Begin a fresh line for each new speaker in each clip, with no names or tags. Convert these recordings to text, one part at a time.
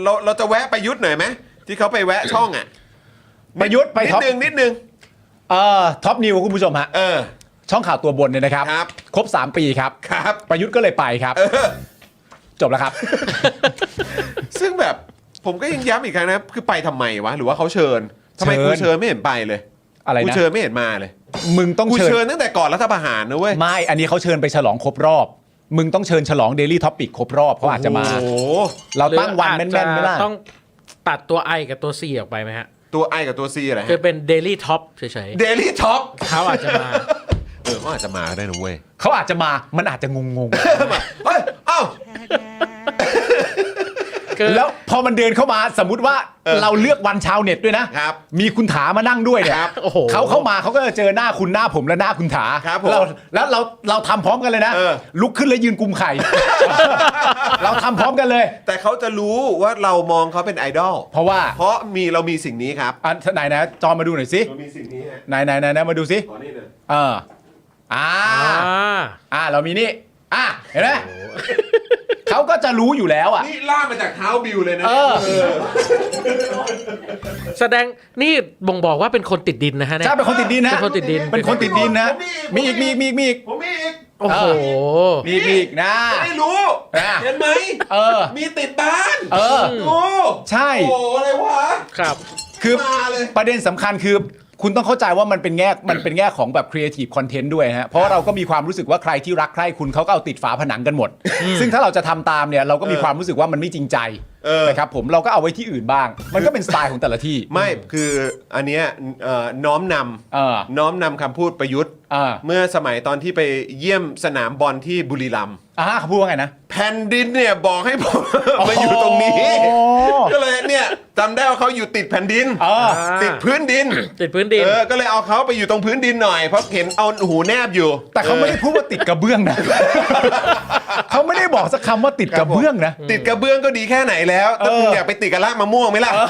เราจะแวะประยุทธ์หน่อยไหมที่เขาไปแวะช่องอ่ะ
ประยุทธ์ไปท็อป
นิดนึง
ท็อปนิวคุณผู้ชมฮะช่องข่าวตัวบนเนี่ยนะครับครบ3 ปีครับประยุทธ์ก็เลยไปครับจบแล้วครับ
ซึ่งแบบผมก็ยังย้ำอีกครั้งนะคือไปทำไมวะหรือว่าเขาเชิญทำไมกูเชิญไม่เห็นไปเลย
อะไรนะ
กูเชิญไม่เห็นมาเลย
มึงต้อง
เชิญตั้งแต่ก่อนรัฐประหารนะเว้ย
ไม่อันนี้เขาเชิญไปฉลองครบรอบมึงต้องเชิญฉลอง Daily Topic ครบรอบเขาอาจจะมาเราตั้งวันแม่นๆไม่ล่ะ
ต้องตัดตัว I กับตัว C ออกไปไหมฮะ
ตัว I กับตัว C อะไร
คือเป็น Daily Top เฉย
ๆ Daily Top
เขาอาจจะมา
เขาอาจจะมาได้นะเว้ย
เขาอาจจะมามันอาจจะงง
เฮ้ยเอ้า
แล้วพอมันเดินเข้ามาสมมุติว่าเราเลือกวันชาวเน็ตด้วยนะมีคุณถามานั่งด้วยเนี่ยเขาเข้ามาเขาก็จะเจอหน้าคุณหน้าผมและหน้าคุณถาแล้วเราทำพร้อมกันเลยนะลุกขึ้นแล้วยืนกุมไข่เราทำพร้อมกันเลย
แต่เขาจะรู้ว่าเรามองเขาเป็นไอดอลเพราะเรามีสิ่งนี้ครับ
ไหนนะจอมาดูหน่อยสิ
เรามีสิ่งนี้
ไหนมาดูสิ
ขอนี่เลย
เรามีนี่เห็นไหมเขาก็จะรู้อยู่แล้ว
นี่ล่ามาจากเท้าบิวเลยนะ
แสดงนี่บ่งบอกว่าเป็นคนติดดินนะฮะ
ใช่เป็นคนติดดินนะ
เป็นคนติดดิน
นะมีอีก
ผมมีอีก
โอ้โห
มีอีกนะ
ไม่รู้เห็นไหมมีติดบ้านดู
ใช่
โอ้อะไรวะ
ครับ
คือประเด็นสำคัญคือคุณต้องเข้าใจว่ามันเป็นแง่ของแบบ creative content ด้วยฮะเพราะเราก็มีความรู้สึกว่าใครที่รักใครคุณเขาก็เอาติดฝาผนังกันหมดซึ่งถ้าเราจะทำตามเนี่ยเราก็มีความรู้สึกว่ามันไม่จริงใจนะครับผมเราก็เอาไว้ที่อื่นบ้างมันก็เป็นสไตล์ของแต่ละที่
ไม่คืออันเนี้ยน้อมนำคำพูดประยุทธ์เมื่อสมัยตอนที่ไปเยี่ยมสนามบอลที่บุรีรัมย์
เขาพูดว่าไงนะ
แผ่นดินเนี่ยบอกให้ผมมาอยู่ตรงนี้ก็เลยเนี่ยจำได้ว่าเขาอยู่ติดแผ่นดินติดพื้นดินก็เลยเอาเขาไปอยู่ตรงพื้นดินหน่อยเพราะเห็นเอาหูแนบอยู่
แต่เขาไม่ได้พูดว่าติดกระเบื้องนะเขาไม่ได้บอกสักคำว่าติดกระเบื้องนะ
ติดกระเบื้องก็ดีแค่ไหนแล้วแต่มึงอยากไปติดกับรากมะม่วงไหมล่ะ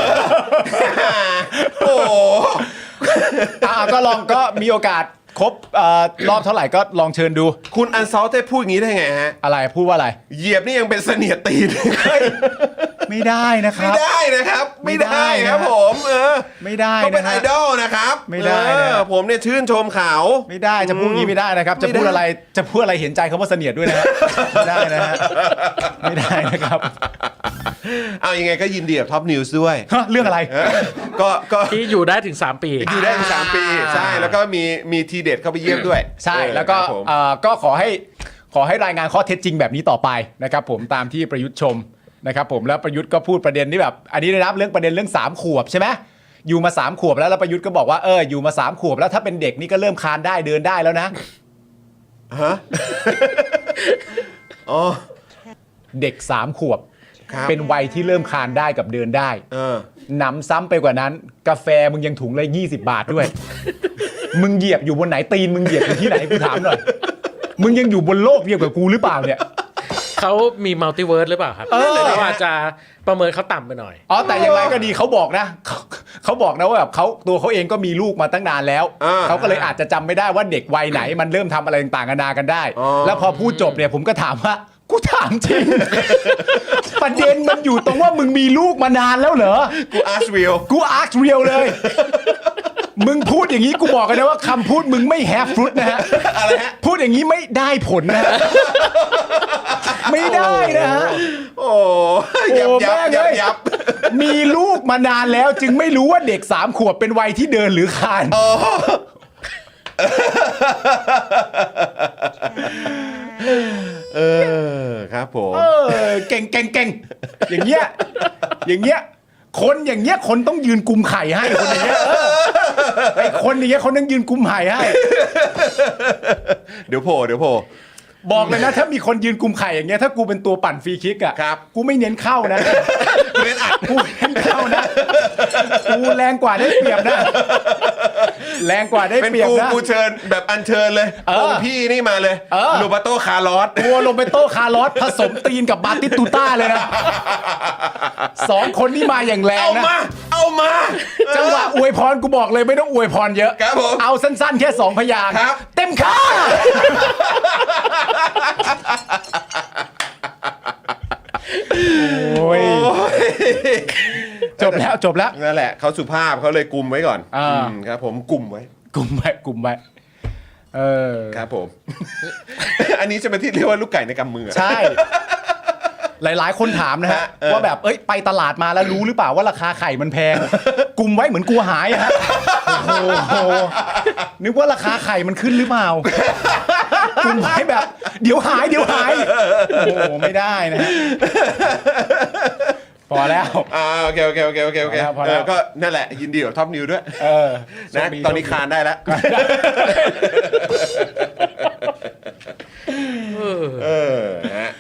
โอ้
ก็ลองก็มีโอกาสครบรอบเท่าไหร่ก็ลองเชิญดู
คุณอันซอลเต้พูดอย่างนี้ได้ไงฮะ
อะไรพูดว่าอะไร
เหยียบนี่ยังเป็นเสนียดตีน
ไม่ได้นะครับ
ไม่ได้ครับผม
ไม่ได้
ก็เป็นไอดอลนะครับ
ไม่ได้
ผมเนี่ยชื่นชมเขา
ไม่ได้จะพูดงี้ไม่ได้นะครับจะพูดอะไรเห็นใจคำว่าเสนียดด้วยนะไม่ได้นะฮะไม่ได้นะครับ
เอายังไงก็ยินดีกับท็อปนิวส์ด้วย
เรื่องอะไร
ก็ที่อยู่ได้ถึง3 ปี
อยู่ได้ถึง3 ปีใช่แล้วก็มีทีเด็ดเข้าไปเยี่ยมด้วย
ใช่แล้วก็ขอให้รายงานข้อเท็จจริงแบบนี้ต่อไปนะครับผมตามที่ประยุทธ์ชมนะครับผมแล้วประยุทธ์ก็พูดประเด็นที่แบบอันนี้ได้รับเรื่องประเด็นเรื่อง3 ขวบใช่ไหมอยู่มา3 ขวบแล้วประยุทธ์ก็บอกว่าอยู่มา3 ขวบแล้วถ้าเป็นเด็กนี่ก็เริ่มคลานได้เดินได้แล้วนะ
ฮะอ๋อ
เด็ก3 ขวบเป็นวัยที่เริ่มคลานได้กับเดินได้หนำซ้ำไปกว่านั้นกาแฟมึงยังถุงละ20 บาทด้วยมึงเหยียบอยู่บนไหนตีนมึงเหยียบอยู่ที่ไหนกูถามหน่อยมึงยังอยู่บนโลกเดียวกับกูหรือเปล่าเนี่ย
เขามีมัลติเวิร์สหรือเปล่าครับเราอาจจะประเมินเขาต่ำไปหน่อย
แต่อย่างไรก็ดีเขาบอกนะเขาบอกนะว่าแบบตัวเขาเองก็มีลูกมาตั้งนานแล้วเขาก็เลยอาจจะจำไม่ได้ว่าเด็กวัยไหนมันเริ่มทำอะไรต่างๆนานากันได้แล้วพอพูดจบเนี่ยผมก็ถามว่ากูถามจริงประเด็นมันอยู่ตรงว่ามึงมีลูกมานานแล้วเหรอ
กูอาร์คเ
รียลเลยมึงพูดอย่างนี้กูบอกกันนะว่าคำพูดมึงไม่แฮฟฟรุตนะฮะ
อะไรฮะ
พูดอย่างนี้ไม่ได้ผลนะไม่ได้นะฮะ
โอ้ยับ
มีลูกมานานแล้วจึงไม่รู้ว่าเด็ก3 ขวบเป็นวัยที่เดินหรือคลาน
ครับผม
เก่งอย่างเงี้ยคนอย่างเงี้ยคนต้องยืนกุมไข่ให้คนอย่างเงี้ยไอ้คนอย่างเงี้ยเขาต้องยืนกุมไข่ให้
เดี๋ยวโผล่
บอกเลยนะถ้ามีคนยืนกุมไข่อย่างเงี้ยถ้ากูเป็นตัวปั่นฟรีคิกอ่ะกูไม่เน้นเข้านะ
เน้นอัด
กูเน้นเข้านะกูแรงกว่าได้เปรียบนะแรงกว่าได้เปรียบนะ
กูเชิญแบบอัญเชิญเลยองค์พี่นี่มาเลยโรเบโตคาร์ลอส
ตัวโรเบโตคาร์ลอสผสมตีนกับบาติสตูต้าเลยนะ2 คนนี่มาอย่างแรงนะ
เอามา
จังหวะอวยพรกูบอกเลยไม่ต้องอวยพรเยอะเอาสั้นๆแค่2 พยางค์เต็มค่าโอ้ยจบแล้ว
นั่นแหละเขาสุภาพเขาเลยกุมไว้ก่อนครับผมกุมไว้
กลุ่มไว้
ครับผม อันนี้จะเป็นที่เรียกว่าลูกไก่ในกำมือ
ใช่ หลายๆคนถามนะฮะว่าแบบไปตลาดมาแล้วรู้หรือเปล่าว่าราคาไข่มันแพงกุมไว้เหมือนกลัวหายอะฮะโอ้โหนึกว่าราคาไข่มันขึ้นหรือเปล่ากุมไว้แบบเดี๋ยวหายโอ้โหไม่ได้นะฮะพอแล้ว
โอเค
พอแล้ว
ก็นั่นแหละยินดีกับท็อปนิวด้วยนะตอนนี้คานได้แล้วฮะ